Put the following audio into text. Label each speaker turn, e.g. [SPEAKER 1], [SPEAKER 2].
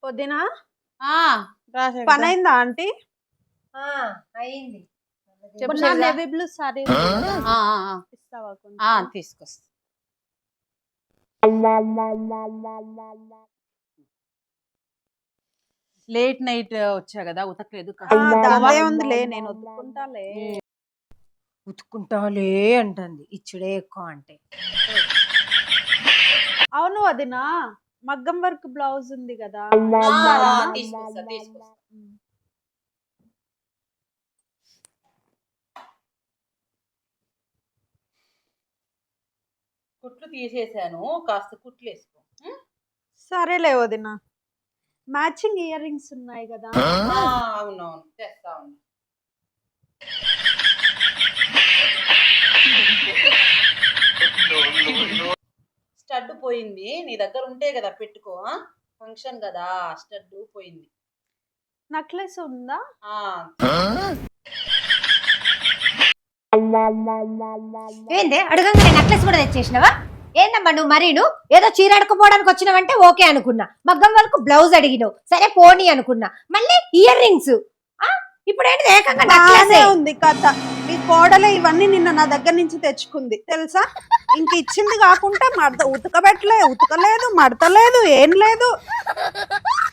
[SPEAKER 1] పొద్దున
[SPEAKER 2] పని
[SPEAKER 1] అయిందా ఆంటీ?
[SPEAKER 3] అయింది.
[SPEAKER 1] నేవీ బ్లూ సారీ ఇస్తావా కొంచెం?
[SPEAKER 2] తీసుకొస్తా. లేట్ నైట్ వచ్చా కదా, ఉతకలేదు.
[SPEAKER 1] దాదే ఉందిలే, నేను ఉతుక్కుంటాలే.
[SPEAKER 3] ఉతుక్కుంటాలే అంటుంది, ఇచ్చుడే ఎక్కువ అంటే.
[SPEAKER 1] అవును వదినా, మగ్గం వర్క్ బ్లౌజ్ ఉంది కదా,
[SPEAKER 2] తీసుకొస్తా. కుట్లు తీసేసాను, కాస్త కుట్లు వేసుకో.
[SPEAKER 1] సరేలే వదినా. మ్యాచింగ్ ఇయర్ రింగ్స్ ఉన్నాయి కదా?
[SPEAKER 2] అవునవును, తెస్తా ఉన్నా. స్టడ్ పోయింది, నీ దగ్గర ఉంటే కదా పెట్టుకో. ఫంక్షన్ కదా, స్టడ్ పోయింది.
[SPEAKER 1] నెక్లెస్ ఉందా?
[SPEAKER 3] ఏందే అడగంగానే నెక్లెస్ కూడా తెచ్చేసినవా? ఏందమ్మా నువ్వు మరీను ఏదో చీర అడుకుపోవడానికి వచ్చినావంటే ఓకే అనుకున్నా, మగ్గం వరకు బ్లౌజ్ అడిగినావు, సరే పోనీ అనుకున్నా, మళ్ళీ ఇయర్ రింగ్స్. ఇప్పుడు ఏంటి ఏకంగా నెక్లెస్
[SPEAKER 1] ఉంది కథ. మీ కోడలే ఇవన్నీ నిన్న నా దగ్గర నుంచి తెచ్చుకుంది తెలుసా? ఇంక ఇచ్చింది కాకుండా ఉతకలేదు, మడతలేదు, ఏం లేదు.